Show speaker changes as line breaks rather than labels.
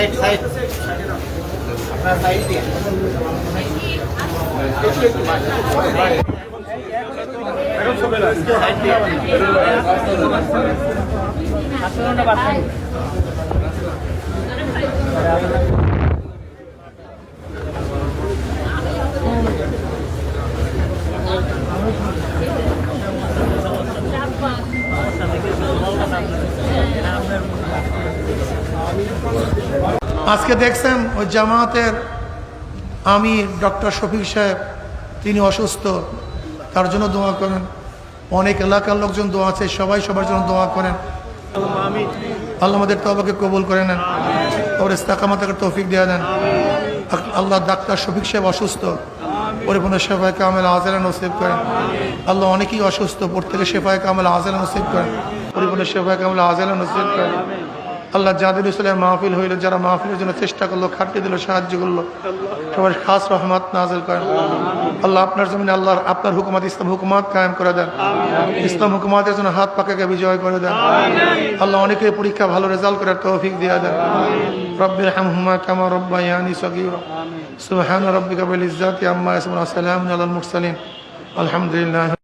আজকে দেখছেন ওই জামায়াতের আমির ডক্টর শফিক সাহেব, তিনি অসুস্থ, তার জন্য দোয়া করেন। অনেক এলাকার লোকজন দোয়া আছে, সবাই সবার জন্য দোয়া করেন। আল্লাহ আমাদের তওবাকে কবুল করে নেন, ওর ইস্তেকামতের তৌফিক দিয়ে দেন। আল্লাহ ডাক্তার শফিক সাহেব অসুস্থ, পরিপূর্ণ শেফায়ে কামেল আজেলা নসিব করেন। আল্লাহ অনেকেই অসুস্থ, প্রত্যেকে শেফায়ে কামেল আজেলা নসিব করেন, পরিপূর্ণ শেফায়ে কামেল আজেলা নসিব করেন। আল্লাহ যাদের ইসলামের মাহফিল হইল, যারা মাহফিলের জন্য চেষ্টা করলো, খাটতে দিল, সাহায্য করলো, সবার খাস রহমত নাযিল করেন। আল্লাহ আপনার জমিনে আল্লাহ আপনার হুকুমত, ইসলাম হুকুমত কায়েম করে দেন। ইসলাম হুকুমতের জন্য হাত পাকাকে বিজয় করে দেন। আল্লাহ অনেকে পরীক্ষা ভালো রেজাল্ট করার তৌফিক দিয়ে দেন। রব্বিরহামহুমা কামা রব্বায়ানি সগীরা। সুবহান রাব্বিকা বিল ইজ্জাতি আম্মা ইয়াসিফুন ওয়া সালামুন আলাল মুরসালিন। আলহামদুলিল্লাহ।